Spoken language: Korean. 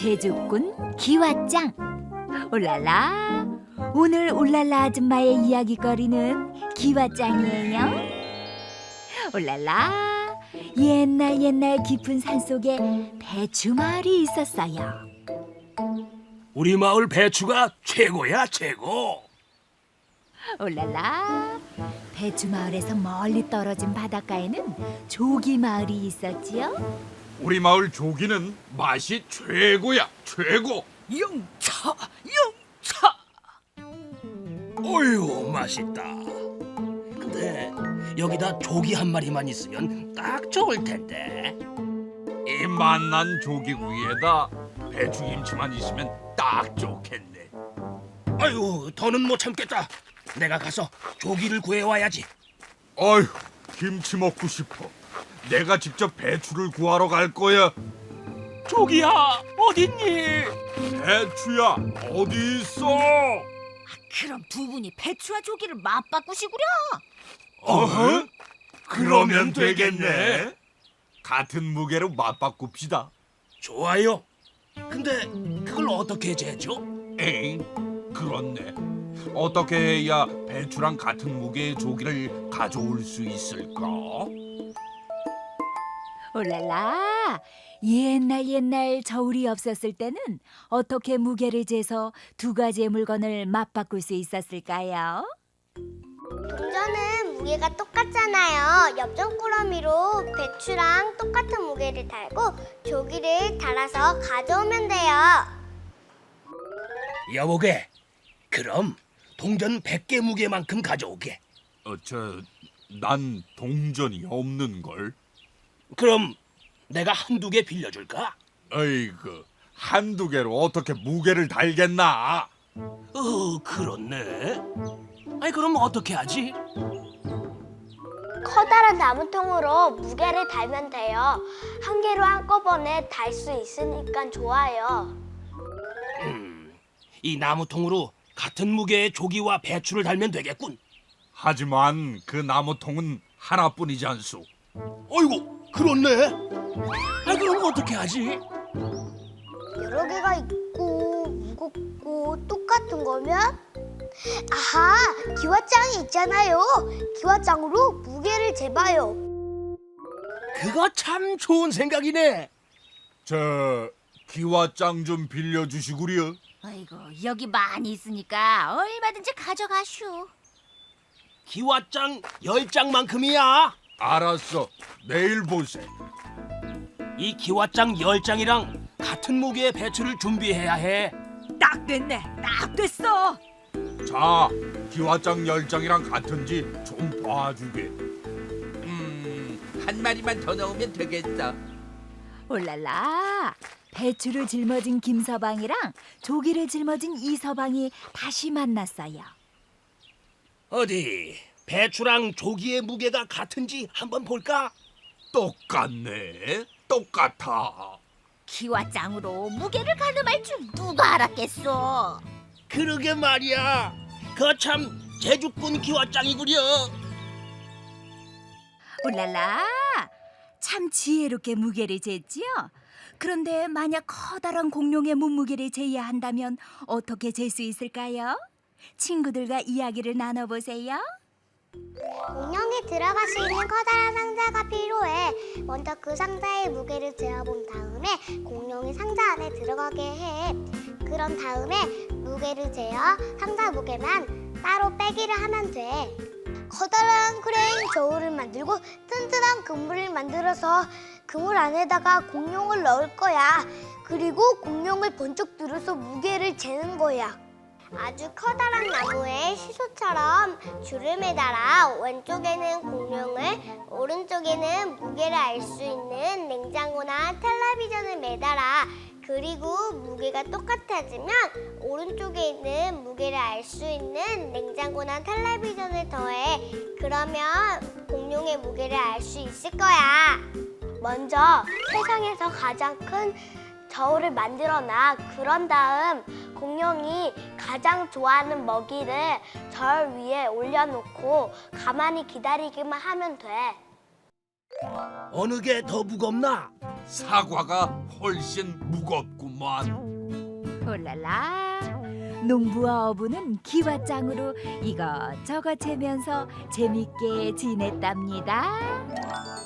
제주꾼 기왓장. 올랄라, 오늘 올랄라 아줌마의 이야기거리는 기왓장이에요. 올랄라, 옛날 깊은 산속에 배추 마을이 있었어요. 우리 마을 배추가 최고야, 최고. 올랄라, 배추 마을에서 멀리 떨어진 바닷가에는 조기 마을이 있었지요. 우리 마을 조기는 맛이 최고야, 최고. 영차, 영차. 어휴, 맛있다. 근데 여기다 조기 한 마리만 있으면 딱 좋을 텐데. 이 맛난 조기 위에다 배추김치만 있으면 딱 좋겠네. 아유, 더는 못 참겠다. 내가 가서 조기를 구해와야지. 어휴, 김치 먹고 싶어. 내가 직접 배추를 구하러 갈 거야. 조기야, 어딨니? 배추야, 어디 있어? 그럼 두 분이 배추와 조기를 맞바꾸시구려. 어허? 그러면 되겠네. 같은 무게로 맞바꿉시다. 좋아요. 근데 그걸 어떻게 재죠? 에잉, 그렇네. 어떻게 해야 배추랑 같은 무게의 조기를 가져올 수 있을까? 올랄라, 옛날 저울이 없었을 때는 어떻게 무게를 재서 두 가지의 물건을 맞바꿀 수 있었을까요? 동전은 무게가 똑같잖아요. 엽전꾸러미로 배추랑 똑같은 무게를 달고 조기를 달아서 가져오면 돼요. 여보게, 그럼 동전 100개 무게만큼 가져오게. 난 동전이 없는걸. 그럼 내가 한두 개 빌려줄까? 어이구, 한두 개로 어떻게 무게를 달겠나? 그렇네. 아이, 그럼 어떻게 하지? 커다란 나무통으로 무게를 달면 돼요. 한 개로 한꺼번에 달 수 있으니까 좋아요. 이 나무통으로 같은 무게의 조기와 배추를 달면 되겠군. 하지만 그 나무통은 하나뿐이지 않소. 어이구, 그렇네. 아이, 그럼 어떻게 하지? 여러 개가 있고 무겁고 똑같은 거면 아하, 기왓장이 있잖아요. 기왓장으로 무게를 재봐요. 그거 참 좋은 생각이네. 저 기와장 좀 빌려주시구려. 아이고, 여기 많이 있으니까 얼마든지 가져가슈. 기왓장 10장만큼이야. 알았어, 내일 보세. 이 기왓장 10장이랑 같은 무게의 배추를 준비해야 해. 딱 됐네, 딱 됐어. 자, 기와장 10장이랑 같은지 좀 봐주게. 한 마리만 더 넣으면 되겠어. 올랄라, 배추를 짊어진 김서방이랑 조기를 짊어진 이서방이 다시 만났어요. 어디 배추랑 조기의 무게가 같은지 한번 볼까? 똑같네, 똑같아. 기왓장으로 무게를 가늠할 줄 누가 알았겠어. 그러게 말이야. 그 참 제주꾼 기왓장이구려. 올랄라, 참 지혜롭게 무게를 쟀지요. 그런데 만약 커다란 공룡의 몸무게를 재야 한다면 어떻게 잴 수 있을까요? 친구들과 이야기를 나눠보세요. 공룡이 들어갈 수 있는 커다란 상자가 필요해. 먼저 그 상자의 무게를 재어본 다음에 공룡이 상자 안에 들어가게 해. 그런 다음에 무게를 재어 상자 무게만 따로 빼기를 하면 돼. 커다란 크레인 저울을 만들고 튼튼한 그물을 만들어서 그물 안에다가 공룡을 넣을 거야. 그리고 공룡을 번쩍 들어서 무게를 재는 거야. 아주 커다란 나무에 시소처럼 줄을 매달아 왼쪽에는 공룡을, 오른쪽에는 무게를 알 수 있는 냉장고나 텔레비전을 매달아. 그리고 무게가 똑같아지면 오른쪽에 있는 무게를 알 수 있는 냉장고나 텔레비전을 더해. 그러면 공룡의 무게를 알 수 있을 거야. 먼저 세상에서 가장 큰 저울을 만들어놔. 그런 다음 공룡이 가장 좋아하는 먹이를 저울 위에 올려놓고 가만히 기다리기만 하면 돼. 어느 게 더 무겁나? 사과가 훨씬 무겁구만. 홀랄라. 농부와 어부는 기와장으로 이것저것 재면서 재밌게 지냈답니다.